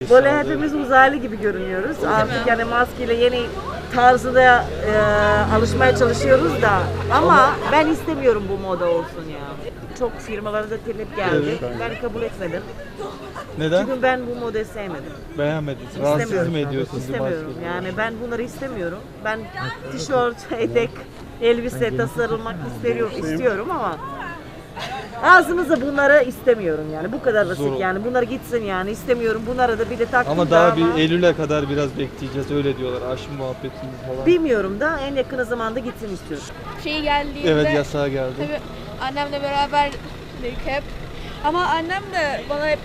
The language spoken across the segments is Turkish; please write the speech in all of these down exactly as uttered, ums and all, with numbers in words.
Böyle hepimiz uzaylı gibi görünüyoruz. Artık yani maskeyle yeni tarzına e, alışmaya çalışıyoruz da ama ben istemiyorum bu moda olsun ya. Çok firmalara da talep geldi. Evet. Ben kabul etmedim. Neden? Çünkü ben bu modayı sevmedim. Beğenmediniz. Rahatsız İstemiyorum. mı ediyorsunuz? bu İstemiyorum. maskeyi? Yani ben bunları istemiyorum. Ben tişört, etek, elbise tasarılmak istiyorum, istiyorum ama ağzımızda bunları istemiyorum yani. Bu kadar basit Zor. yani. Bunlar gitsin yani. İstemiyorum. Bunları da bir de taktım Ama da daha ama bir Eylül'e kadar biraz bekleyeceğiz öyle diyorlar. Aşı muhabbetini falan. bilmiyorum da en yakın zamanda gitsin istiyorum. Şey geldiğinde Evet, yasağa geldi. tabii annemle beraberdik hep. Ama annem de bana hep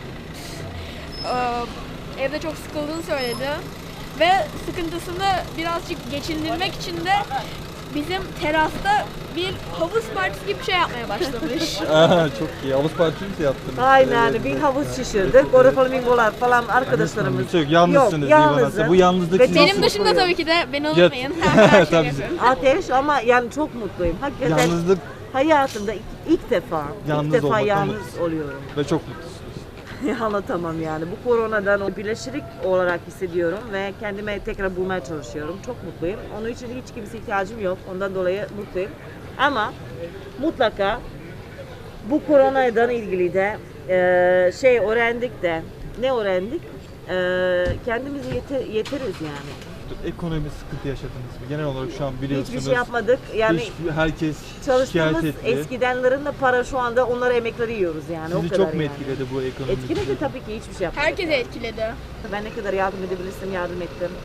e, evde çok sıkıldığını söyledi. Ve sıkıntısını birazcık geçindirmek için de bizim terasta bir havuz partisi gibi bir şey yapmaya başlamış. Aa, çok iyi. Havuz partisi mi yaptınız? Aynen Evet. bir havuz şişirdik. Orada flamingolar falan arkadaşlarımız. Kimse yok. Yalnızsınız Yok, Divanası. yalnızım. Bu yalnızlık Ve sizi Benim nasıl- dışımda tabii ki de beni Ya- unutmayın. Tabii. Ateş ama yani çok mutluyum. Hakikaten Yalnızlık hayatımda ilk, ilk defa, Yalnız ilk defa olmaktan yalnız mutlusun. oluyorum. ve çok mutlusunuz. Anlatamam yani. Bu koronadan o birleşik olarak hissediyorum ve kendime tekrar bulmaya çalışıyorum. Çok mutluyum. Onun için hiç kimse ihtiyacım yok. Ondan dolayı mutluyum. Ama mutlaka bu koronadan ilgili de e, şey öğrendik de ne öğrendik? E, kendimizi yeter, yeteriz yani. Ekonomi sıkıntı yaşadınız mı? Genel olarak şu an biliyorsunuz. Hiçbir şey yapmadık. Yani hiç- herkes çalıştığımız şikayet etti. eskidenlerin de para şu anda onları emekleri yiyoruz yani. o Sizi kadar çok mu yani. etkiledi bu ekonomi? Etkiledi tabii ki hiçbir şey yapmadık. Herkese etkiledi. Ben ne kadar yardım edebilirsem yardım ettim.